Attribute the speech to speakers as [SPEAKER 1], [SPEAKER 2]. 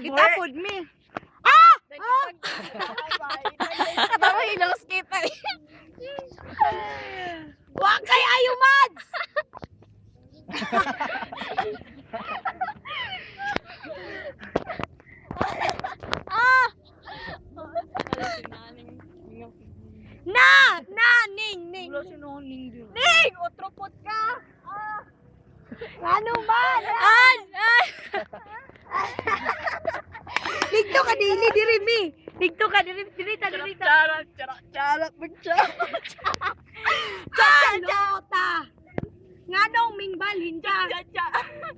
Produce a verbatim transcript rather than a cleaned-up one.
[SPEAKER 1] Itapod mi. Ah! Ah!
[SPEAKER 2] Tama hilos kita.
[SPEAKER 1] Wa kay ayo mads. Ah! Na! Na! Ning! Ning! Ning! Otropot ka! Ah! Ano ba? An! An! Ligto ka dili diri mi. Ligto ka diri diri ta diri ta.
[SPEAKER 2] Charot, charot, charot, magcharot.
[SPEAKER 1] Chalota. Nganong mingbalhin ka?
[SPEAKER 2] Cha, cha.